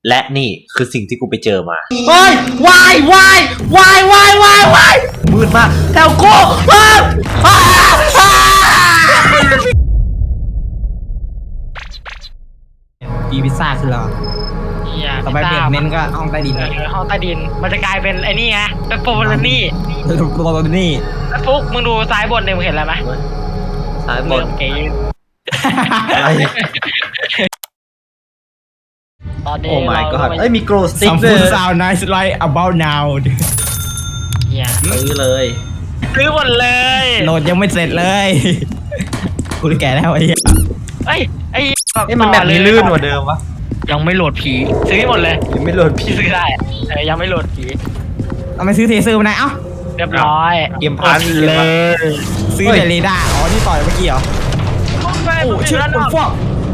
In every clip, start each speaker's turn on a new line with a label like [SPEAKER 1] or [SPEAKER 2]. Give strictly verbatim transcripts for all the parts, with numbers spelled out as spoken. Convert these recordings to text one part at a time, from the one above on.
[SPEAKER 1] และนี่คือสิ่งที่กูไปเจอมาเฮ้ยวายวายวายวายวายวายมืดมากแถวกู
[SPEAKER 2] ปีพิซซ่าคือเราต่อไปเบรกเน้นก็ห้องใต้ดิน
[SPEAKER 3] ห้องใต้ดินมันจะกลายเป็นไอ้นี่ไงเป็นโฟลานี่
[SPEAKER 2] โฟลานี่
[SPEAKER 3] ไอ้ฟุกมึงดูซ้ายบนเนี่ยมึงเห็นอะไรไหม
[SPEAKER 1] ซ้ายบน
[SPEAKER 3] เก๋ตอนนี้
[SPEAKER 1] โอ้ my god เอ้ยมีโกลสติ๊ก
[SPEAKER 2] Some
[SPEAKER 1] เลย
[SPEAKER 2] food sound nice like about now
[SPEAKER 3] เนี่ย
[SPEAKER 1] ซื้อเลย
[SPEAKER 3] ซื้อหมดเลย
[SPEAKER 2] โหลดยังไม่เสร็จเลยกูแก่แล้วไอ้
[SPEAKER 3] เอ้ยไอ้
[SPEAKER 1] เอ้ยมันแบบนี้ลื่นกว่าเดิมวะ
[SPEAKER 3] ยังไม่โหลดผีซื้อหมดเลย
[SPEAKER 1] ยังไม่โหลดผี
[SPEAKER 3] พี่ซื้อได้เออยังไม่โหลดผี
[SPEAKER 2] เอาไปซื้อเทเซอร์มาไหนเอ้า
[SPEAKER 3] เรียบร้อย
[SPEAKER 1] เกมพัน
[SPEAKER 3] เลย
[SPEAKER 2] ซื้อแต่เรดาร์อ๋อที่ต่อยเมื่อกี้เหรอโอ้ชื่อคนฟอก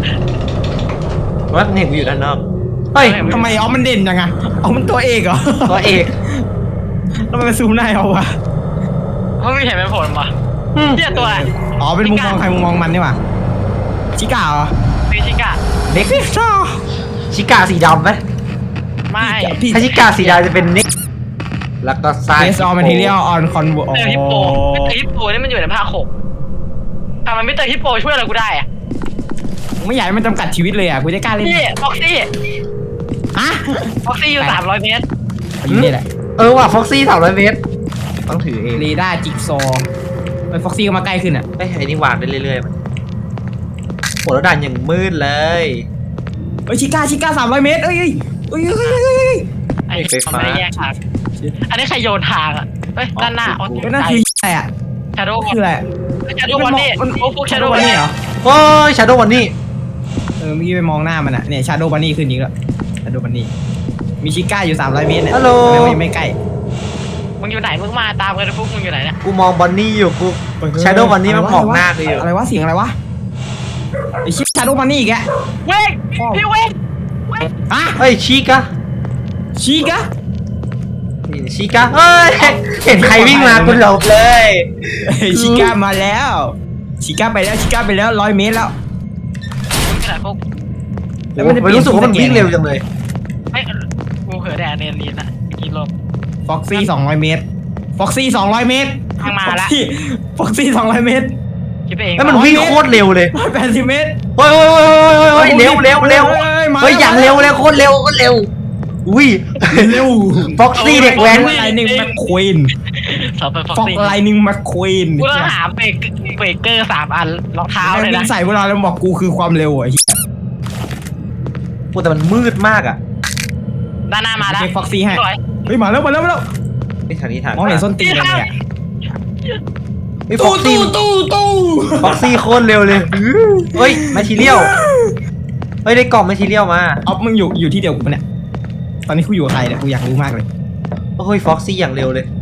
[SPEAKER 1] ว่าเห็นกูอยู่ด้านนอกเฮ้ย
[SPEAKER 2] ทำไมอ๋อมันเด่นจังอะอ๋อมันตัวเอกเหรอ
[SPEAKER 1] ตัวเอก
[SPEAKER 2] แล้วมันซูมได้เอาวะ
[SPEAKER 3] เขาไม่เห็นเป็นผลปะเนี่ยตัว
[SPEAKER 2] อ๋อเป็นมุมมองใครมุมมองมันนี่หว่าชิก้าเหรอ
[SPEAKER 3] มีชิก้า
[SPEAKER 2] เด็กชอ
[SPEAKER 1] ชิก้าสีดำไหม
[SPEAKER 3] ไม่
[SPEAKER 1] ถ้าชิก้าสีดำจะเป็นนิกแล้วก็ไซส์
[SPEAKER 2] Based on material on convo
[SPEAKER 3] มิสเตอร์ฮิปโปมิสเตอร์ฮิปโปนี่มันอยู่ในภาคหกทำไมมิสเตอร์ฮิปโปช่วยอะไรกูได้อะ
[SPEAKER 2] ไม่อยากให้มันจำกัดชีวิตเลยอ่ะกูจะกล้าเล่น
[SPEAKER 3] นี่ฟ็อกซี่
[SPEAKER 2] ฮะ
[SPEAKER 3] ฟ็อกซี่อยู่สามร้อยเมตร
[SPEAKER 2] อยู่นี่แหละ
[SPEAKER 1] เออว่ะฟ็อกซี่สามร้อยเมตรต้องถือเอง
[SPEAKER 2] เรดาร์จิ๊กซอไอ้ฟ็อกซี่ก็มาใกล้ขึ้นอ่ะ
[SPEAKER 1] ไอ้ไอ้นี่วางได้เรื่อยๆมันโหแล้วด่านอย่างมืดเลย
[SPEAKER 2] เฮ้ยชิก้าชิก้าสามร้อยเมตรเอ้ยเอ้ยเอ้ยเอ้ย
[SPEAKER 3] ไอ้ไฟฟ้าแยกทางอันนี้ใครโยนทางอ่ะเฮ้ยด้านหน้าอ๋อ
[SPEAKER 2] นั่นคืออะไรอ่ะ
[SPEAKER 3] ชาโดว์
[SPEAKER 2] คืออะไร
[SPEAKER 3] ชาโดว์วันนี้โอ้ฟุกชาโดว์วันนี้
[SPEAKER 2] เหรอ
[SPEAKER 1] โอ้ยชาโดว์วันนี้
[SPEAKER 2] เออเมื่อกี้ไปมองหน้ามันอ่ะเนี่ยชาโดว์บันนี่ขึ้นอีกแล้วชาโดว์บันนี่มีชิก้าอยู่สามร้อยเมตรเนี่ย
[SPEAKER 1] ฮัลโหล
[SPEAKER 2] ไม่ไม่ใกล้
[SPEAKER 3] มึงอยู่ไหนมึงมาตามกันฟุกมึงอยู่ไหนเนี่ย
[SPEAKER 1] กูมองบันนี่อยู่กูชาโดว์วันนี้มันมองหน้ากูอยู่
[SPEAKER 2] อะไรวะเสียงอะไรวะไอ้ชิชาโดว์บันนี่อีกแก
[SPEAKER 3] เวกพี่เวก
[SPEAKER 2] ฮะ
[SPEAKER 1] เฮ้ยชิก้า
[SPEAKER 2] ชิก้า
[SPEAKER 1] ชิก้าเฮ้ยเห็นใครวิ่งมากูหลบเลย
[SPEAKER 2] ชิก้ามาแล้วชิก้าไปแล้วชิก้าไปแล้วร้อยเมตรแล้ว
[SPEAKER 3] ขนาดพวก
[SPEAKER 1] แล้วมันรู้สึกว่ามันวิ่งเร็วจังเลย
[SPEAKER 3] ไม่กูเผลอแดนเนียนลีนอะกินลม
[SPEAKER 2] ฟ็อกซี่สองร้อยเมตรฟ็อกซี่สองร้อยเมตร
[SPEAKER 3] ทางมาแล้ว
[SPEAKER 2] ฟ็อกซี่สองร้อยเมตร
[SPEAKER 3] คิดไปเอง
[SPEAKER 1] แล้วมันวิ่งโคตรเร็วเลย
[SPEAKER 2] แปดสิบเมตร
[SPEAKER 1] เฮ้ยเฮ้ยเร็วเร็วเร็วเฮ้ยอย่างเร็วเลยโคตรเร็วโคตรเร็วอุ้ย
[SPEAKER 2] เร็ว
[SPEAKER 1] ฟ็อกซี่เด็กแว้น
[SPEAKER 2] ไลนิ่งแมคควีนฟ็อกไลนิ่งแมคควีน
[SPEAKER 3] กูต้องหาเบรกเบรกเกอร์สามอันรองเท้าเลยนะ
[SPEAKER 2] ใส่เวลาแล้วบอกกูคือความเร็วอ่ะ
[SPEAKER 1] โอ้แต่มันมืดมากอ่ะ
[SPEAKER 3] ด้านหน้ามาแล้ว
[SPEAKER 2] ฟ็อกซี่ให้เฮ้ยมาแล้วมาแล้วมาแล้ว
[SPEAKER 1] นี่ทางนี้ทาง
[SPEAKER 2] มองเห็นส้นตีนเลยเนี่ย
[SPEAKER 1] ตู้ตู้ตู้ตู้ฟ็อกซี่โคตรเร็วเลยเฮ้ยแมททีเรียลเฮ้ยได้กล่องแมททีเรียลมา
[SPEAKER 2] อ๊อฟมึงอยู่อยู่ที่เดียวกูเนี่ยตอนนี้กูอยู่กับใครเนี่ยกูอยากรู้มากเลย
[SPEAKER 1] โอ้ยฟ็อกซี่อย่างเร็วเลย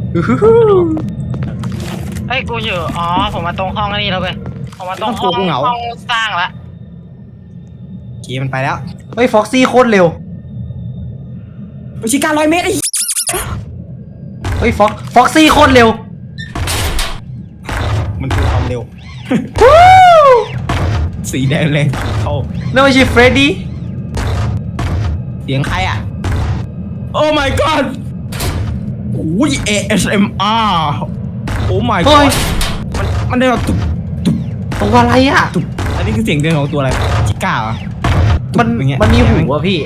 [SPEAKER 3] เฮ้ยกูอยู่อ๋อผมมาตรงห้องนี่แล้วเว้ยผมมาตรงห้องห้องสร้างละ
[SPEAKER 2] เกียมันไปแล้ว
[SPEAKER 1] เฮ้ยฟ็อกซี่โคตรเร็ว
[SPEAKER 2] ไปชิก้าร้อยเมตรไอ้
[SPEAKER 1] เฮ้ยฟ็อกฟ็อกซี่โคตรเร็ว
[SPEAKER 2] มันคือความเร็วสีแดงแรงเข้า
[SPEAKER 1] แล้วไม่ใช่เฟรดดี้
[SPEAKER 2] เสียงใครอ่ะโอ้ my god โอ้ย เอ เอส เอ็ม อาร์ โอ้ my god มันมันได้แบบตุบตุบ
[SPEAKER 1] ตัวอะไรอ่ะ
[SPEAKER 2] ตุบอันนี้คือเสียงเดินของตัวอะไรชิก้าเหรอ
[SPEAKER 1] มันมันมีหูอ่ะพี่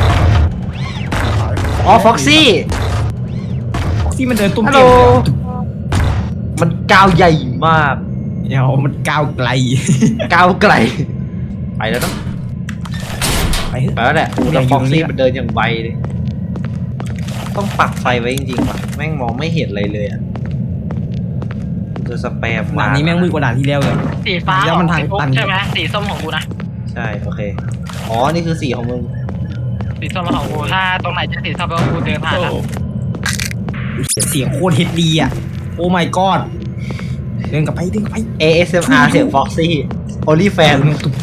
[SPEAKER 1] อ๋อฟ็อกซี่
[SPEAKER 2] ฟ็อกซี่มันเดินตุ้มเตี้ย
[SPEAKER 1] มันก้าวใหญ่มาก
[SPEAKER 2] เดี๋ยวมันก้าวไกล
[SPEAKER 1] ก้าวไกลไปแล้วต้อง
[SPEAKER 2] ไป
[SPEAKER 1] ไปแล้วแหละแต่ฟ็อกซี่มันเดินอย่างไวเลยต้องปักไฟไว้จริงๆว่ะแม่งมองไม่เห็นอะไรเลยอ่ะจะสแปม
[SPEAKER 2] ด่านนี้แม่งมืดกว่าด่านที่แล้วเลย
[SPEAKER 3] สีฟ้าแล้วมันทางตันใช่ไหมสีส้มของกูนะ
[SPEAKER 1] ใช่โอเคอ๋อนี่คือสีของมึง
[SPEAKER 3] สีส้มของกูถ้าตรงไหนจะสีส้มก็กูเดินผ่านแล้ว
[SPEAKER 2] เสียงโคตรเฮดดีอ่ะโอ้ my god เดินกลับไปเดินกลับไป
[SPEAKER 1] เอ เอส เอ็ม อาร์ เสียงฟ็อกซี่ Only Fan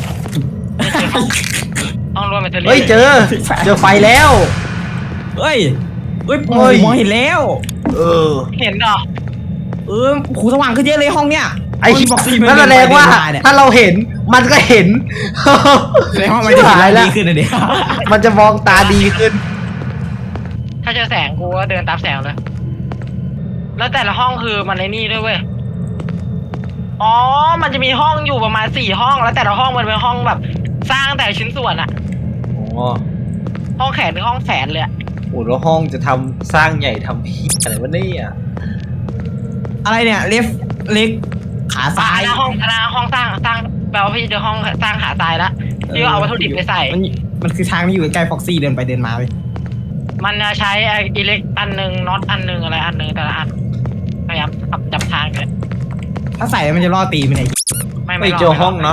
[SPEAKER 3] ต้องรวมเป็น
[SPEAKER 1] เฮ้ยเจอเจอไฟแล้ว
[SPEAKER 2] เฮ้ยเฮ้ยมองเห็นแล้ว
[SPEAKER 1] เออ
[SPEAKER 3] เห็นเหรอ
[SPEAKER 2] เออหูสว่างขึ้นเยอะเลยห้องเนี้ย
[SPEAKER 1] ไอ้บอกซี่นั่นแสดงว่าถ้าเราเห็นมันก็เห็น
[SPEAKER 2] แสดงว่ามันจะ
[SPEAKER 1] ชิบหายแล้ว
[SPEAKER 2] ดีขึ้นนะเดี๋ยว
[SPEAKER 1] มันจะมองตาดีขึ้น
[SPEAKER 3] ถ้าเจอแสงกูก็เดินตามแสงเลย แล้วแต่ละห้องคือมันในนี่ด้วยเว้ย อ๋อ มันจะมีห้องอยู่ประมาณสี่ห้อง แล้วแต่ละห้องมันเป็นห้องแบบ สร้างแต่ละชิ้นส่วนอะ
[SPEAKER 1] อ๋อ
[SPEAKER 3] ห้องแขนคือห้องแขนเลยอะ
[SPEAKER 1] โอ้แล้วห้องจะทำสร้างใหญ่ทำพี่อะไรวะเนี่ย
[SPEAKER 2] อะไรเนี่ยเลฟเล็กขา
[SPEAKER 3] อ่า
[SPEAKER 2] ซ้าย
[SPEAKER 3] หน้าห้องหน้าห้องสร้างสร้างแปลว่าพี่เจอห้องสร้างขาตายละพี่ก็เอาวัตถุดิบไปใส่
[SPEAKER 2] มันมันคือทางที่อยู่ใกล้ฟ็อกซี่เดินไปเดินมาไป
[SPEAKER 3] มันจะใช้ไอ้อิเล็กอันหนึ่งน็อตอันหนึ่งอะไรอันหนึ่งแต่ละอันพยายามจับจับทางกัน
[SPEAKER 2] ถ้าใส่แล้วมันจะล่อตีมันไง
[SPEAKER 3] ไม่
[SPEAKER 1] ไม่
[SPEAKER 3] ร
[SPEAKER 1] เจอห้อง
[SPEAKER 3] ไม่ร
[SPEAKER 1] น็อต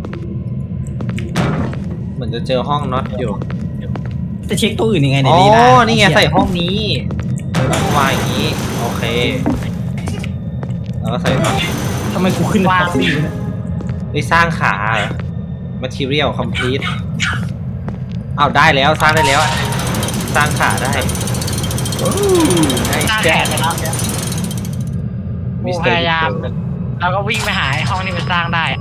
[SPEAKER 1] เหมือนจะเจอห้องน็อตอยู่
[SPEAKER 2] จะเช็คตัวอื่นยังไงเนี่
[SPEAKER 1] อ๋
[SPEAKER 2] ย
[SPEAKER 1] อ
[SPEAKER 2] ดีนะ
[SPEAKER 1] นี่ไงใส่ห้องนี้วางอย่างนี้ โอเค แล้วก็ใส่
[SPEAKER 2] ทำไมกูขึ้นฟ็อกซี่เนี่ย
[SPEAKER 1] ไปสร้างขาเหรอ material complete อ้าวได้แล้วสร้างได้แล้ว สร้างขาได้
[SPEAKER 2] โอ้
[SPEAKER 1] ได้
[SPEAKER 3] สร้าง
[SPEAKER 1] แจ๊
[SPEAKER 3] แขนเลยนะ กูพยายาม แล้วก็วิ่งไปหาไอ้ห้องที่มันสร้างได้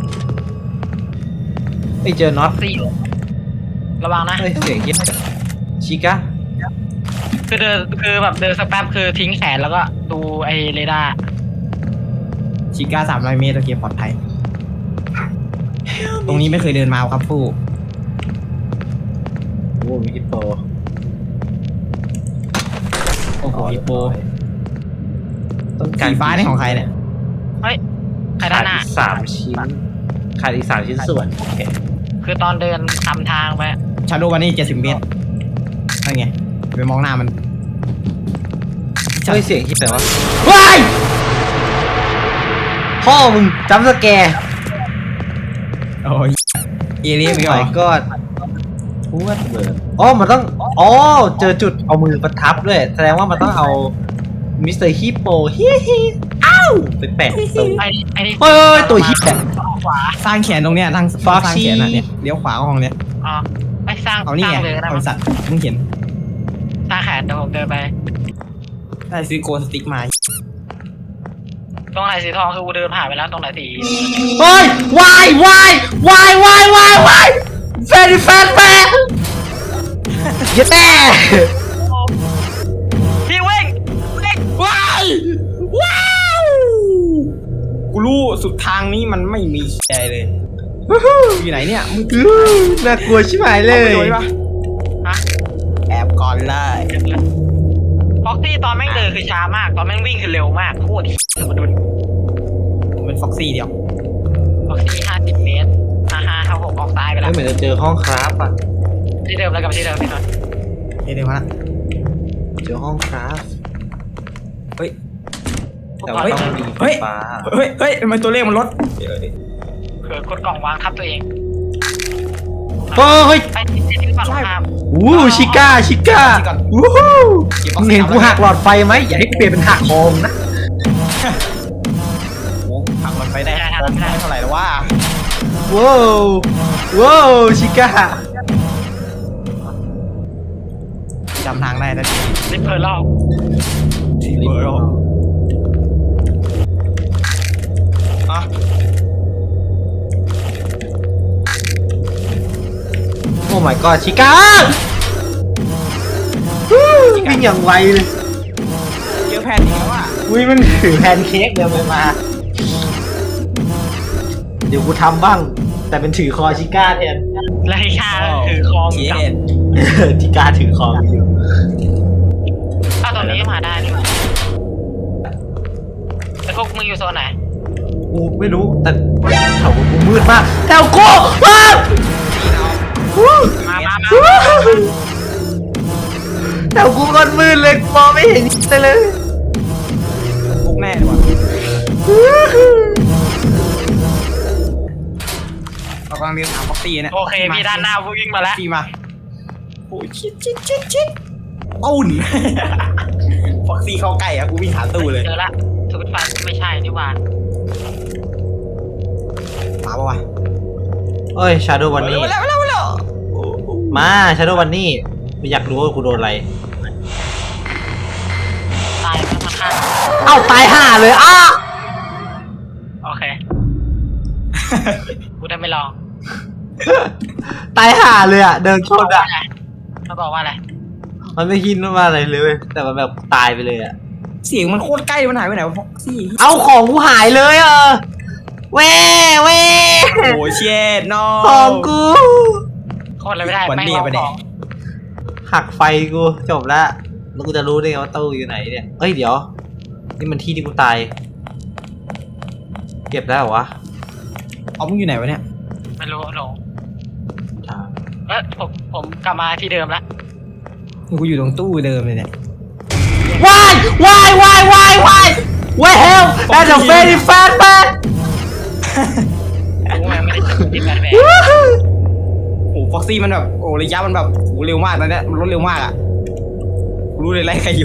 [SPEAKER 1] ไม่เจอน็อต
[SPEAKER 3] สี่ระวังนะ
[SPEAKER 1] เฮ้ยเสียงเหี้ยชิก้า
[SPEAKER 3] คือเดินคือแบบเดินสักแป๊บคือทิ้งแขนแล้วก็ดูไอ้เรดาร์
[SPEAKER 2] ชิก้าสามร้อยเมตรโอเคปลอดภัย ตรงนี้ไม่เคยเดินมาครับผู้
[SPEAKER 1] โอ้มีฮิปโป
[SPEAKER 2] โอ้โหฮิปโป
[SPEAKER 1] ต้องการ
[SPEAKER 2] สีฟ้านี่ของใครเนี่ย
[SPEAKER 3] เฮ้ยใคร
[SPEAKER 1] ขา
[SPEAKER 3] ด้า
[SPEAKER 1] ด
[SPEAKER 3] นหน้า
[SPEAKER 1] อีกสามชิ้นขาดอีกสามชิ้นส่วนโอเค
[SPEAKER 3] คือตอนเดินทำทางไป
[SPEAKER 2] ชาโดวันนี้เจ็ดสิบเมตรนั่นไงไปมองหน้ามัน
[SPEAKER 1] เฮ้ยเสียงฮิปแต่ว่าว้ายพ่อมึงจำสแกร์
[SPEAKER 2] โอ้ยเอเลี่ยนไปก่อ
[SPEAKER 1] ไม่
[SPEAKER 2] น
[SPEAKER 1] ก็พูดเบิร์ดอ๋อมันต้องอ๋อเจอจุดเอามือประทับด้วยแสดงว่ามันต้องเอามิสเตอร์ฮิปโปฮิฮิอ้าวไปแปะตรง
[SPEAKER 3] ไอ้ไอ้นี่
[SPEAKER 1] เฮ้ยตัวฮิปอะ
[SPEAKER 3] ขวา
[SPEAKER 2] สร้างแขนตรงเนี้ยทางส
[SPEAKER 1] Foxy
[SPEAKER 2] ร้างแขนนะเนี่ยเลี้ยวขวาของเนี่ย
[SPEAKER 3] อ๋อไอ้สร้าง
[SPEAKER 2] เอานี่
[SPEAKER 3] สร้า
[SPEAKER 2] ไง
[SPEAKER 3] งเลยก็ได้
[SPEAKER 2] บ
[SPEAKER 3] มั้ง
[SPEAKER 2] ริษัทมึงเห็น
[SPEAKER 3] สร้างแขนเดี๋ยวผมเดินไป
[SPEAKER 2] ได้ซื้อโกสติ๊กมา
[SPEAKER 3] ตรงไหนสีทองคือกูเดินผ่านไปแล้วตรงไหนสี
[SPEAKER 1] เฮ้ยวายวายวายวายวายวายแฟนแฟนแฟนเย้แม่
[SPEAKER 3] พี่เว้งเว้ง
[SPEAKER 2] ว้ายว้าวกูรู้สุดทางนี้มันไม่มีใจเลยอยู่ไหนเนี่ยมึง
[SPEAKER 1] อื้อน่ากลัวชิบหายเล
[SPEAKER 2] เอาไป
[SPEAKER 1] ย
[SPEAKER 2] โดนปะ
[SPEAKER 3] ฮะ
[SPEAKER 2] แอบก่อนเลย
[SPEAKER 3] ฟ็อกซี่ตอนแม่งเดินคือช้ามาก ตอนแม่งวิ่งคือเร็วมากโคตรเดี๋ยวมาดู
[SPEAKER 2] ผมเป็นฟ็อกซี่เดียว
[SPEAKER 3] ฟ็อกซี่ห้าสิบเมตรห้าห้าห้าหกออกซ้ายไปแล้
[SPEAKER 1] ไม่
[SPEAKER 3] ว
[SPEAKER 1] เหมือนจะเจอห้องคราฟอ่ะ
[SPEAKER 3] ที่เดิมแล้วกับที่เดิมพี่นนท์
[SPEAKER 2] เดี๋ยวเดี๋ยวมาละ
[SPEAKER 1] เจอห้องคราฟ
[SPEAKER 2] เฮ้ย
[SPEAKER 1] แต่ว่าต้องมี
[SPEAKER 2] เฮ้ย
[SPEAKER 1] ฟ้า
[SPEAKER 2] เฮ้ยเฮ้ยทำไมตัวเลขมันลด
[SPEAKER 3] เผื่อกดกล่องวางทับตัวเอง
[SPEAKER 1] เฮ้ย
[SPEAKER 3] ไปที่ที่ฝั่งตรงข้าม
[SPEAKER 1] วู้ชิก้าชิก้าวู้ฮู้มึงเห็นกูหักหลอดไฟไหมอย่าให้กูเปลี่ยนเป็นหักโคมนะ
[SPEAKER 2] โอ้หักมันไปได้ไม่ได้เท่าไหร่แล้วว่า
[SPEAKER 1] ว้าวว้าวชิก้า
[SPEAKER 2] จำทางได้แล้ว
[SPEAKER 3] ลิปเพอร์ล
[SPEAKER 2] ทีเบอร์อ่ะ
[SPEAKER 1] โอ้ my god ชิก้าวู้วิ่งอย่างไวเลย
[SPEAKER 2] เยอะแผ่นอีกแล้วอ่ะ
[SPEAKER 1] อุ้ยมันถือแพนเค้กเดินไปมา เดี๋ยวกูทำบ้าง แต่เป็นถือคอชิก้าแทน
[SPEAKER 3] และไอ้ชาถือคอง
[SPEAKER 2] เขีย
[SPEAKER 3] กับ
[SPEAKER 2] น
[SPEAKER 1] ชิก้าถือคออยู่
[SPEAKER 3] อ้าวตอนนี้มาได้นี่หว่าแต่พวกมึงอยู่โซนไหน
[SPEAKER 1] กูไม่รู้แต่แถวกูมืดมากแถวกูว้าววู้
[SPEAKER 3] มามามา
[SPEAKER 1] วู้แถวกูก็มืดเลยมองไม่เห็นเลยเลย
[SPEAKER 2] พวกแน่เลยว่ะเรากำลังเดินหาฟ็อกซี่เนี่ย
[SPEAKER 3] โอเคพี่ด้านหน้าวิ่งมาแล้ว
[SPEAKER 2] ฟ็อกซี่มาโอ้ยชิดชิดชิดชิดอุ่น ฟ็อกซี่เข้าใกล้อะกูวิ่งหาตู้เลย
[SPEAKER 3] เจอละสวิตช์ไฟไม่ใช่นี่หว่า
[SPEAKER 2] มาปะวะ
[SPEAKER 1] เอ้ยชาโดวันนี้
[SPEAKER 2] มาแล้วมาแล้วมาแล้ว
[SPEAKER 1] มาชาโดวันนี้ไม่อยากรู้ว่ากูโดนอะไร
[SPEAKER 3] ตายมันมาฆ่า
[SPEAKER 1] เอ้าตายห่าเลยอ้า
[SPEAKER 3] โอเคกูได้ไม่ลอง
[SPEAKER 1] ตายห่าเลยอ่ะเดินชนอ่ะ
[SPEAKER 3] มันบอกว่าอะไร
[SPEAKER 1] มันไม่คิดว่าอะไรเลยเว้ยแต่มันแบบตายไปเลยอ่ะ
[SPEAKER 2] เสียงมันโคตรใกล้มันหายไปไหนวะฟ็อกซี่
[SPEAKER 1] เอาของกูหายเลยเออเว้เว้
[SPEAKER 2] โอ้เช็ดน้อ
[SPEAKER 1] ของกู
[SPEAKER 3] โคตรเลยไม่ได้
[SPEAKER 2] วัน
[SPEAKER 3] แม่ง
[SPEAKER 2] นี้
[SPEAKER 3] ลอง
[SPEAKER 2] ไป
[SPEAKER 3] ข
[SPEAKER 2] ไหน
[SPEAKER 3] อง
[SPEAKER 1] หักไฟกูจบละแล้วกูจะรู้ได้ไงว่าตู้อยู่ไหนเนี่ยเอ้ยเดี๋ยวนี่มันที่ที่กูตายเก็บได้เหรอวะ
[SPEAKER 2] เอามึงอยู่ไหนวะเนี่ย
[SPEAKER 3] ไม่รู้หลง
[SPEAKER 1] ถาม
[SPEAKER 3] เออผมผมกลับมาที่เดิมแล้ว
[SPEAKER 2] กูอยู่ตรงตู้เดิมเลยเนี่ย
[SPEAKER 1] Why Why Why Why Why Why hell That's a very fat man
[SPEAKER 3] กูแม่งไม่ได้ติดแบบแม่
[SPEAKER 2] โอ้ฟ็อกซี่มันแบบโอ้ระยะมันแบบโอ้เร็วมากตอนเนี้ยมันรถเร็วมากอ่ะกูรู้เลยไล่ใครอยู่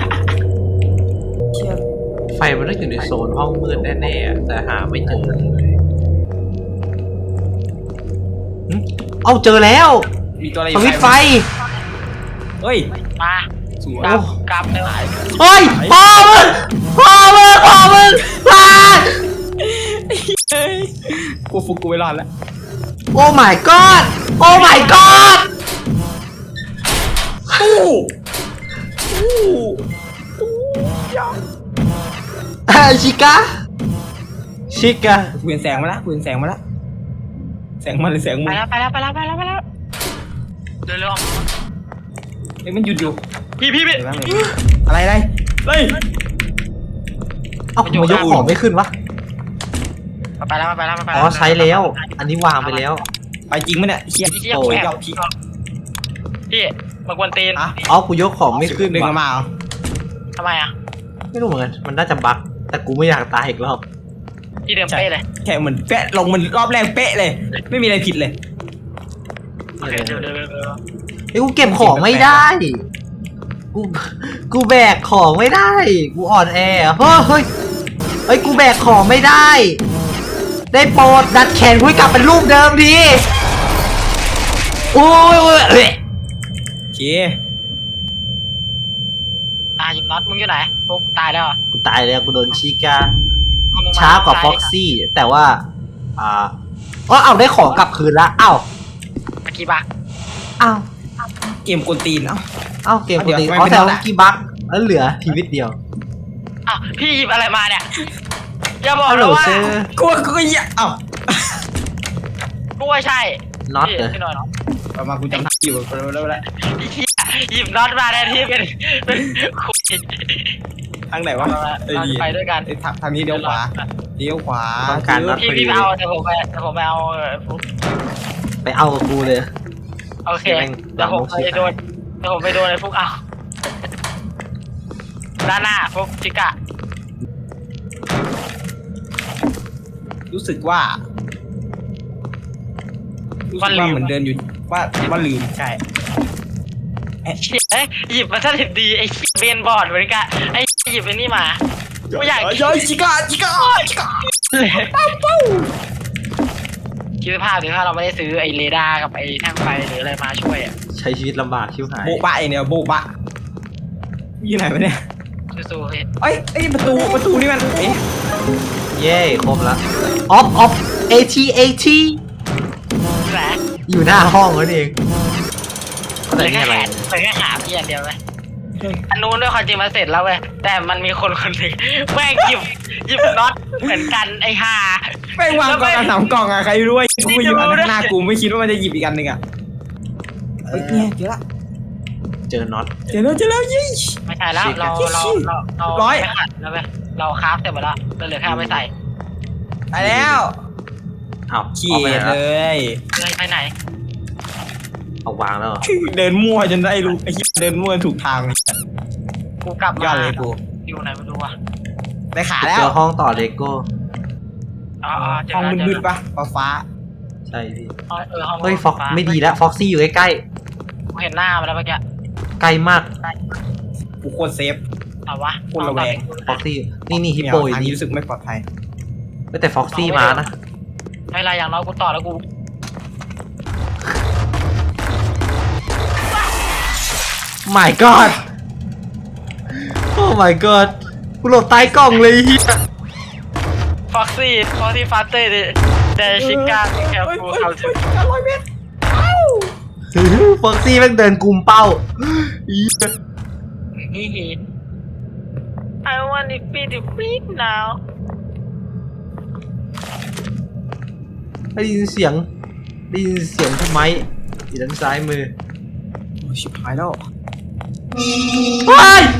[SPEAKER 1] ไฟมันต้องอยู่ในโซนห้องมืดแน่ๆอะแต่หาไม่เจอเลยหึเอาเจอแล้ว
[SPEAKER 2] มีตัวอะไรอ
[SPEAKER 1] ส
[SPEAKER 2] ยู่
[SPEAKER 1] วิตช์ไฟ
[SPEAKER 2] เฮ้ย
[SPEAKER 3] มา
[SPEAKER 2] สวย
[SPEAKER 3] กลับกลับเลย
[SPEAKER 1] เฮ้ยพ่อมึงพ่อมึงพ่อมึงพ่อ
[SPEAKER 2] เฮ้ยกูฟุกกูไม่รอดแล้ว
[SPEAKER 1] โอ้ my god โอ้ my god
[SPEAKER 2] ตู้ตู้ตู้ยา
[SPEAKER 1] อ่าชิกาชิกา
[SPEAKER 2] กูเห็นแสงมาแล้วกูเห็นแสงมาแล้วแสงมาเลยแสง
[SPEAKER 3] ไป
[SPEAKER 2] มึง
[SPEAKER 3] แล้วไปแล้วไปแล้วไปแล้วไปแล้วเดินเร็ว
[SPEAKER 2] เอ้ยมันหยุดอยู่
[SPEAKER 3] พี่พี่พี่
[SPEAKER 2] เดี๋ยวแป๊บนึงอะไรอะไรเฮ้ย
[SPEAKER 1] เอ้าทำไมยกของไม่ขึ้นวะ
[SPEAKER 3] ไปแล้วไปแล้วไปแล้ว
[SPEAKER 1] อ๋อใช้แล้ว อันนี้วางไปแล้ว
[SPEAKER 2] ไปจริงไหมเนี่ยเชี่ย
[SPEAKER 3] พี่
[SPEAKER 2] โอ้ย
[SPEAKER 3] แอบ
[SPEAKER 2] ยอดพี่
[SPEAKER 3] พี่มากวนตีน
[SPEAKER 2] อะ
[SPEAKER 1] อ๋อกูยกของไม่ขึ้น
[SPEAKER 2] ดึง
[SPEAKER 1] ว่ะ
[SPEAKER 2] มาเหรอ
[SPEAKER 3] ทำไมอ่ะ
[SPEAKER 1] ไม่รู้เหมือนกันมันน่าจะบั๊กแต่กูไม่อยากตายอีกรอบ
[SPEAKER 3] ที่เดิมเป๊ะเลย
[SPEAKER 2] แค่เหมือนเป๊ะลงมันรอบแรกเป๊ะเลย ไม่มีอะไรผิดเลย
[SPEAKER 3] โอเคเดี๋ยวเดี๋ยวเดี๋ยวเดี๋ยว
[SPEAKER 1] ไอ้ยกูเก็บของไม่ได้ กู กูแบกของไม่ได้ กูอ่อนแอเฮ้ยเฮ้ยเฮ้ย กูแบกของไม่ได้ ได้โปรดดัดแขนกูให้กลับเป็นรูปเดิมดีโอ้ยโอ้ยเอ้ย
[SPEAKER 2] โอเค
[SPEAKER 3] อ่ะหยิบน็อตมึงอยู่ไหนปุ๊บตายแล้วอ่ะ
[SPEAKER 1] กูตายแล้ว กูโดนชิกา
[SPEAKER 3] เอมึงม
[SPEAKER 1] ช้ากว่าฟ็อกซี่ แต่ว่า อ่าอ๋อเอาได้ของกลับคืนละเอ้า
[SPEAKER 3] เมื่อกี้บัก
[SPEAKER 1] เอ้า
[SPEAKER 2] เกมกวนตีนเอ้า
[SPEAKER 1] เอ้า เกมปกติ
[SPEAKER 2] เดี๋ยว
[SPEAKER 1] อ๋อ
[SPEAKER 2] ทำไม
[SPEAKER 1] แต่
[SPEAKER 2] ไม่
[SPEAKER 1] ว่า
[SPEAKER 2] ได้
[SPEAKER 1] เมื่อกี้บั๊กแล้วเหลือชีวิตเดียว
[SPEAKER 3] อ้าวพี่หยิบอะไรมาเนี่ยอย่าบอก
[SPEAKER 1] ฮัลโหล
[SPEAKER 3] นะว่า
[SPEAKER 1] เซอร์
[SPEAKER 2] กูกูก็เหี้ยเอ้า
[SPEAKER 3] กูว่าใช่
[SPEAKER 1] น็อต
[SPEAKER 3] พี่
[SPEAKER 1] เหรอ
[SPEAKER 3] พี่หน่อยเนาะ
[SPEAKER 2] ประมาณกูจำทางอยู่แล้วแล้วแล้ว
[SPEAKER 3] พี่เหี้ยหยิบน็อตมาแทนที่เป็นเป็นคุย
[SPEAKER 2] ทางไหนวะ
[SPEAKER 3] เรา
[SPEAKER 2] เอ้ย
[SPEAKER 3] จะไปด้วยกัน
[SPEAKER 2] เอ้ยทางทางนี้เลี้ยวขวาเลี้ยวขวา
[SPEAKER 1] ต้องการน็อต
[SPEAKER 3] พี่พี่ไปเอาแต่ผมไปแต่ผมไปเอาเออฟุ๊ก
[SPEAKER 1] ไปเอากับกูเลย
[SPEAKER 3] โอเค
[SPEAKER 1] แม่ง
[SPEAKER 3] เดี๋ยวผมไปโดนเดี๋ยวผมไปโดนไอ้ฟุกเอาด้านหน้าฟุกจิกะ
[SPEAKER 2] รู้สึกว่ารู้สึกว่าเหมือนเดินอยู่ว่าว่าลืมใช่
[SPEAKER 3] เชี่ยเอ้ยหยิบมาซะดิบดีไอ้เชี่ยเบนบอร์ดเหมือนกันไอ้หยิบไอ้นี่มาไม่อยาก
[SPEAKER 2] ย้อยจิกาจิกาจิกา
[SPEAKER 3] คิดสภาพดิถ้าเราไม่ได้ซื้อไอ้เรดาร์กับไอ้แท่งไฟหรืออะไรมาช่วยอ่ะ
[SPEAKER 1] ใช้ชีวิตลำบากชิวหาย
[SPEAKER 2] โบะบะไอเนี่ยโบะบะอยู่ไหนวะเนี่ย
[SPEAKER 3] สู้ๆเฮ้ย
[SPEAKER 2] เอ้ยเอ้ยประตูประตูนี่มันเอ๊ะ
[SPEAKER 1] เย้ครบแล้วออฟออฟเอทีเอที
[SPEAKER 3] แหละ
[SPEAKER 1] อยู่หน้าห้องนั่นเอง
[SPEAKER 3] เหลื
[SPEAKER 1] แต่
[SPEAKER 3] อแค่
[SPEAKER 1] นี่อะไร
[SPEAKER 3] แขนเหลือแค่ขาพี่อย่างเดียวเลยอันนู้นด้วยความจริงมาเสร็จแล้วเว้ยแต่มันมีคนคนหนึ่งแม่งหยิบหยิบน็อตเหมือนกันไอ้ห่า
[SPEAKER 2] แม่งวางกล่องกันสามกล่องอะใครรู้ว่ากูไปอยู่อันข้างหน้ากูไม่คิดว่ามันจะหยิบอีกอันหนึ่งอะเฮ้ยเนี่ยเจอละ
[SPEAKER 1] เจอน็อต
[SPEAKER 2] เจอแล้วเจอแล้วยี่
[SPEAKER 3] ไม่ใช่แล้วเราเราเราเรา
[SPEAKER 2] ร้อย
[SPEAKER 3] ไม่ขัดแล้วเว้ยเราคราฟเสร็จหมดแล้วเราเหลือแค่เอาไปใส่
[SPEAKER 2] ไปแล้ว
[SPEAKER 1] อ้าว
[SPEAKER 2] เขี
[SPEAKER 1] เอาไป
[SPEAKER 2] ย
[SPEAKER 1] ไหน
[SPEAKER 2] เล
[SPEAKER 1] แล้ว
[SPEAKER 2] ย
[SPEAKER 3] เลยไปไหน
[SPEAKER 1] เอาวางแล้วเหรอ
[SPEAKER 2] เดินมั่วจนได้รู้ไอ้เหี้ยเดินมั่วถูกทางเลย
[SPEAKER 3] กูกลับ
[SPEAKER 2] ยอ
[SPEAKER 3] มา
[SPEAKER 2] ดเลยกู
[SPEAKER 3] อยู่ไหนไม่รู้อ่ะ
[SPEAKER 2] ได้ขาแล้
[SPEAKER 1] เจ
[SPEAKER 2] ว
[SPEAKER 1] อห้องต่อเลโก้
[SPEAKER 3] อ๋อเจ
[SPEAKER 2] ห้อง
[SPEAKER 3] แล้วเจ
[SPEAKER 2] มืด
[SPEAKER 3] แล้ว
[SPEAKER 2] ๆปะฟ้าฟ้า
[SPEAKER 1] ใช่พี่
[SPEAKER 3] อ๋อเออห้อง
[SPEAKER 1] เฮ้ยฟ็อกไม่ดีแล้วฟ็อกซี่อยู่ใกล้
[SPEAKER 3] กูเห็นหน้ามันแล้วเมื่อกี้
[SPEAKER 1] ๆใกล้มาก
[SPEAKER 2] กูโคตรเซฟ
[SPEAKER 3] เอาวะ
[SPEAKER 2] คนระแวง
[SPEAKER 1] ฟ็อกซี่นี่นี่ฮิป
[SPEAKER 2] ไม่
[SPEAKER 1] โป
[SPEAKER 2] เอา
[SPEAKER 1] อยู่
[SPEAKER 2] ทางนี้
[SPEAKER 1] นี่
[SPEAKER 2] รู้สึกไม่ปลอดภัย
[SPEAKER 1] แต่ฟ็อกซี่มานะ
[SPEAKER 3] ไม่เป็นไรอย่างน้อยกูต่อแล้วกู
[SPEAKER 1] my god โอ้ my god กูหลบใต้กล่องเลยเฮีย
[SPEAKER 3] ฟ็อกซี่ฟ็อกซี่ฟาสเตอร์เดแต่ชิก้าแคล
[SPEAKER 2] เฮ้ย
[SPEAKER 3] ฟู
[SPEAKER 2] เฮ้ย
[SPEAKER 3] เขา
[SPEAKER 2] เฮ้ยอร่อยเม็ดเอ้า
[SPEAKER 1] ฟ็อกซี่แม่งเดินกุมเป้า
[SPEAKER 3] ฮีฮี I want to be the big now
[SPEAKER 1] ได้ยินเสียงได้ยินเสียงทำไมอยู่ด้านซ้ายมือ
[SPEAKER 2] โอ้ยชิบหายแล้ว
[SPEAKER 1] เฮ้ย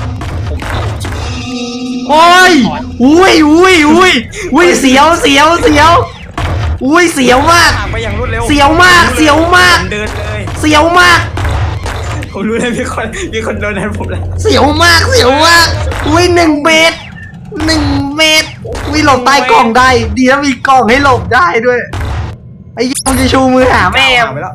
[SPEAKER 1] โอ้ยอุ้ยอุ้ยอุ้ยอุ้ยเสียวเสียวเสียวอุ้ยเสียวมาก
[SPEAKER 2] ทางไปอย่างรวดเร็ว
[SPEAKER 1] เสียวมากเสียวมาก
[SPEAKER 2] เดินเลย
[SPEAKER 1] เสียวมาก
[SPEAKER 2] ผมรู้เลยมีคนมีคนโดนแทนผมแล้ว
[SPEAKER 1] เสียวมากเสียวมากอุ้ยหนึ่งเมตรหนึ่งเมตรอุ้ยหลบใต้กล่องได้ดีนะมีกล่องให้หลบได้ด้วยไอ้ยังจะชูมือหาแม่
[SPEAKER 2] หาไปแล้ว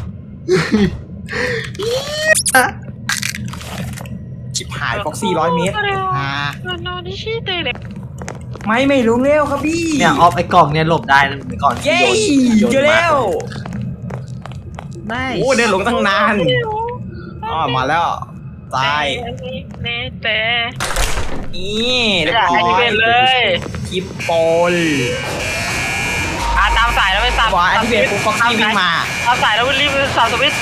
[SPEAKER 2] ชิบหายฟ็อกซี่ร้อยเมตรอ่า
[SPEAKER 3] นอนที่ชี้เตะเลย
[SPEAKER 2] ไม่ไม่รู้เร็วครับพี่
[SPEAKER 1] เนี่ยออฟไอ้กล่องเนี่ยหลบได้นะเหมือนก่อนที่
[SPEAKER 2] เย้
[SPEAKER 1] โยน
[SPEAKER 2] เจอแล้ว
[SPEAKER 1] ได้
[SPEAKER 2] โอ้เดินหลงตั้งนานอ๋อมาแล้วตาย
[SPEAKER 3] เนเต้
[SPEAKER 2] นี่เรียบ
[SPEAKER 3] อยาก
[SPEAKER 2] ร้
[SPEAKER 3] ให้
[SPEAKER 2] อ
[SPEAKER 3] ที่
[SPEAKER 2] ย
[SPEAKER 3] เป็นเลย
[SPEAKER 2] คิปโปล
[SPEAKER 3] อ่ะตามสายแล้วไปสับ
[SPEAKER 2] วายที่เป็นปุ๊บฟ็อกซี่วิ่งมา
[SPEAKER 3] ตามสายแล้วรีบสับสวิตช์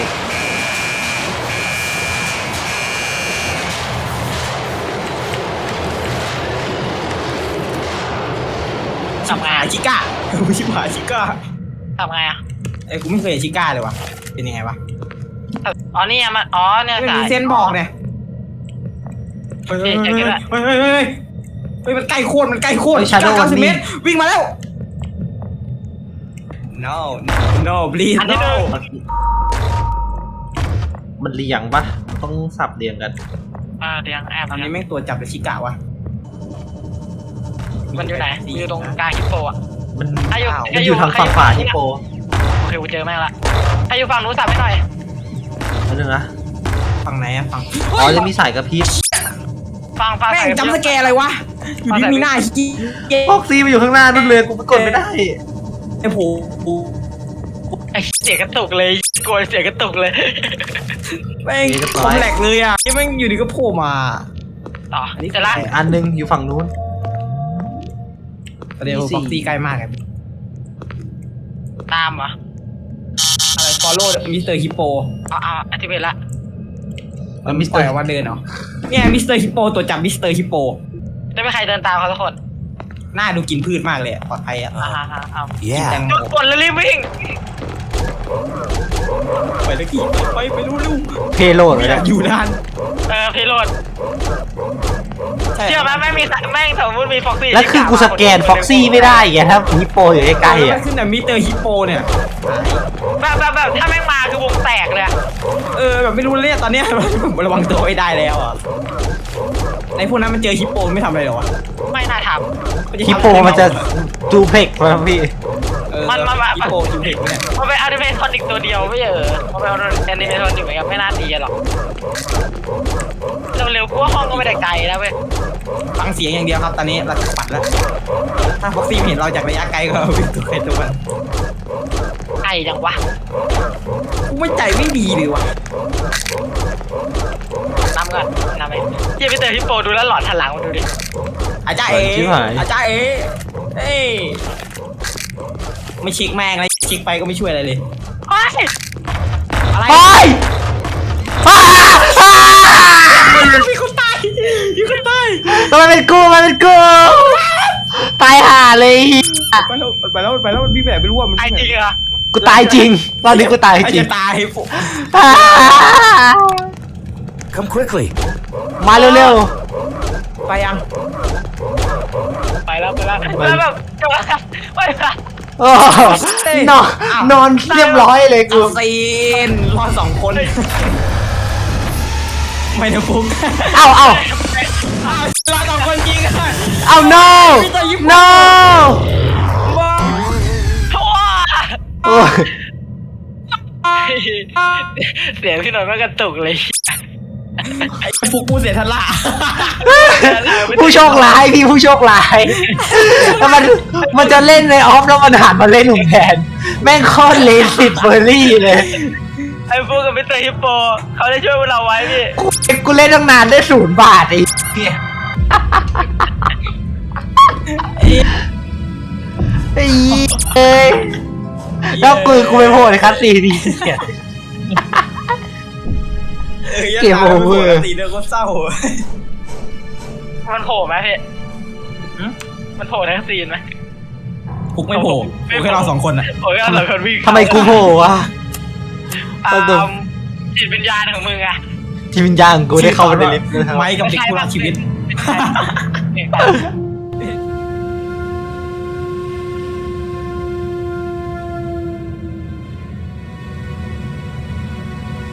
[SPEAKER 2] ชิบหายชิก้าชิบหายชิก้า
[SPEAKER 3] ทำไงอ่ะ
[SPEAKER 2] เอ้ยกูไม่เคยเห็นชิก้าเลยวะเป็นยังไงวะ
[SPEAKER 3] อ๋อนี่มันอ๋อเนี่ย
[SPEAKER 2] ไม่
[SPEAKER 3] สา
[SPEAKER 2] มี
[SPEAKER 3] ย
[SPEAKER 2] เส้นบอกเนี่ยเฮ้ยเฮ้ยเฮ้ยเฮ้ยเฮ้ยเฮ้ยเฮ้ยเฮ้ยมันใกล้โคตรมันใกล้โคตรเก้าสิบเมตรวิ่งมาแล้ว no no please no
[SPEAKER 1] มันเรียงปะต้องสับเรียงกัน
[SPEAKER 3] อ่าเดี๋ยวแอบ
[SPEAKER 2] ตอนนี้
[SPEAKER 3] นะ
[SPEAKER 2] แม่งตัวจับแต่ชิก้าวะ
[SPEAKER 3] มันอยู่ไหนอยู่ตรงกลางฮิปโปอ่ะ
[SPEAKER 1] มัน
[SPEAKER 3] อ่ะอยู่
[SPEAKER 1] มันอยู่ทางฝั่งขวาฮิปโป
[SPEAKER 3] โอเคกูเจอแม่งละถ้าอยู่ฝั่งนู้นสับให้หน่อย
[SPEAKER 1] นั่นนึงนะ
[SPEAKER 2] ฝั่งไหนอะฝั่ง
[SPEAKER 1] อ๋อจะมีสายกระพริบ
[SPEAKER 3] ฟังฟัง
[SPEAKER 2] แม่งจำสแกร์อะไรวะอยู่ดีมีหน้าชิเก้
[SPEAKER 1] ฟ็อกซี่มาอยู่ข้างหน้านู่นเลยกูไปกดไม่ได้
[SPEAKER 2] ไอ้โผล่
[SPEAKER 3] ไอ้เสียกระตุกเลยกลัวเสียกระตุกเลย
[SPEAKER 2] แม่งผมแหลกเลยอ่ะที่แม่งอยู่ดีก็โผล่มา
[SPEAKER 3] ต่อเสร็จละ
[SPEAKER 1] ไอ้อันนึงอยู่ฝั่งนู้น
[SPEAKER 2] เดี๋ยวฟ็อกซี่ใกล้มากไง
[SPEAKER 3] ตามเหรอ
[SPEAKER 2] อะไรฟอลโล่มิสเตอร์ฮิปโป
[SPEAKER 3] เอาเอาอธิเบตละ
[SPEAKER 2] แล้วมิสเตอร์ว่าเดินเหรอเนี่ยมิสเตอร์ฮิปโปตัวจับมิสเตอร์ฮิปโป
[SPEAKER 3] จะไม่ใครเดินตามเขาทุกคน
[SPEAKER 2] หน้าดูกินพืชมากเลยปลอดภัยอ่ะ
[SPEAKER 3] อ่าฮะเอา
[SPEAKER 2] กินแตงโม
[SPEAKER 3] จุดกดแล้วรีบวิ่ง
[SPEAKER 2] ไปตะกี้ไปไปรู้รู้
[SPEAKER 1] เพโลด
[SPEAKER 2] ไม่
[SPEAKER 1] เลย
[SPEAKER 2] อยากอยู่นาน
[SPEAKER 3] เออพีโรดเชื่อไหมแม่งมีแม่งสมมติมีฟ็อกซี่
[SPEAKER 1] แล้วคือกูสแกนฟ็อกซี่ไม่ได้ไงถ้าฮิปโปอยู่ใกล้ๆ
[SPEAKER 2] แล้
[SPEAKER 1] อ่ะ
[SPEAKER 2] วขึ้นแต่มิสเตอร์ฮิปโปเนี่ย
[SPEAKER 3] แบบแบบแบบถ้าแม่งมาคือวงแตกเลยอะ
[SPEAKER 2] เออแบบไม่รู้เลยตอนเนี้ยระวังตัวไม่ได้แล้วอ่ะไอ้พวกนั้นมันเจอฮิปโปไม่ทำอะไรหรอวะ
[SPEAKER 3] ไม่น่าท
[SPEAKER 1] ฮิปโปมันจะจูเพกมาพี่
[SPEAKER 3] มันมันมัน
[SPEAKER 2] ฮิปโปจูเด็กเนี่ย
[SPEAKER 3] ำมันเป็นอนิเมทอนิกตัวเดียวไม่เออมันเป็นอนิเมทอนิกเหมือนกันไม่น่าตีหรอกเร็วๆกูว่าห้องก็ไม่ได้ไกลแล้วเว้ย
[SPEAKER 2] ฟังเสียงอย่างเดียวครับตอนนี้เราปัดแล้วถ้าฟ็อกซี่เห็นเราจากระยะไกลก็วิ่งตัวใครตัวมัน
[SPEAKER 3] ไกลจังวะ
[SPEAKER 2] กูไม่ใจไม่ดีเลยว่ะ
[SPEAKER 3] นำก่อนนำไปเยี่ยมไปเจอฮิปโปดูแล้วหลอดทันหลังมาดูดิ
[SPEAKER 2] อาจารย์เอ๋อาจารย์เอ๋เอ้ยไม่เช็คแม่งเลยเช็คไปก็ไม่ช่วยอะไรเลย
[SPEAKER 3] โอ้ย
[SPEAKER 2] อะไร
[SPEAKER 1] ไปอ้าอ้า
[SPEAKER 2] มีคนตายมีคนตาย
[SPEAKER 1] ทำไมเป็นกูมันเป็นกูตายห่าเลย
[SPEAKER 2] ไปแล้วไปแล้วไปแล้วมันพี่แบบไม่รู้ว่ามัน
[SPEAKER 3] ไอ้จริงเหรอ
[SPEAKER 1] กูตายจริง ตอนนี้กูตายจริง
[SPEAKER 2] จะตายปุ๊
[SPEAKER 1] อ่า
[SPEAKER 4] Come quickly.
[SPEAKER 1] มาเร็ว
[SPEAKER 2] ไปยัง
[SPEAKER 3] ไปแล้วไปแล้วแล้วแบบจะมาไปละ
[SPEAKER 1] ๆโอ้นอนนอนเรียบร้อยเลยกู
[SPEAKER 2] เอาซีนรอดสองคนไม่นะฟุก
[SPEAKER 1] เอ้าเอ้าร
[SPEAKER 2] อดสองคนจริงอ่ะ
[SPEAKER 1] เอ้า no no
[SPEAKER 2] ว้า
[SPEAKER 3] ทั่ว
[SPEAKER 1] โอ้ย
[SPEAKER 3] เสียงพี่หน่อยมันกระตุกเลย
[SPEAKER 2] ไอ้ฟุกกูเสียทันละ
[SPEAKER 1] ผู้โชคร้ายพี่ผู้โชคร้ายแล้วมันมันจะเล่นในออฟแล้วมันหันมาเล่นหนุ่มแทนแม่งโคตรเลสิตเบอร์รี่เลย
[SPEAKER 3] ไอ้พวกกับมิสเตอร์ฮิปโปเขาได้ช่วยพวกเราไว้พี่
[SPEAKER 1] กูกูเล่นตั้งนานได้ศูนย์บาทไอ้เหี้ยไอ้เอ้ยแล้วปืนกูไปโผล่ในคัสซีนดีเนี่ย เกมโอเวอร์
[SPEAKER 2] ตีเนื้อก็เศร้า
[SPEAKER 3] มันโผล่ไหมพี่มันโผล่ทั้งซีนไหม
[SPEAKER 2] พุกไม่โผล่โผล่แค่เราสองคนอ่ะ
[SPEAKER 3] โผล่แค่เราคนวิ่ง
[SPEAKER 1] ทำไมกูโผล่วะ
[SPEAKER 3] อ่า
[SPEAKER 1] เอาดู
[SPEAKER 3] จิตวิญญาณของมึงอะ
[SPEAKER 1] ทีมวิญญาณของกูได้เข้ามาในลิฟต์ด้วยครับ
[SPEAKER 2] ไม้กับเด็กผู้รักชีวิต
[SPEAKER 3] ไม่ใช่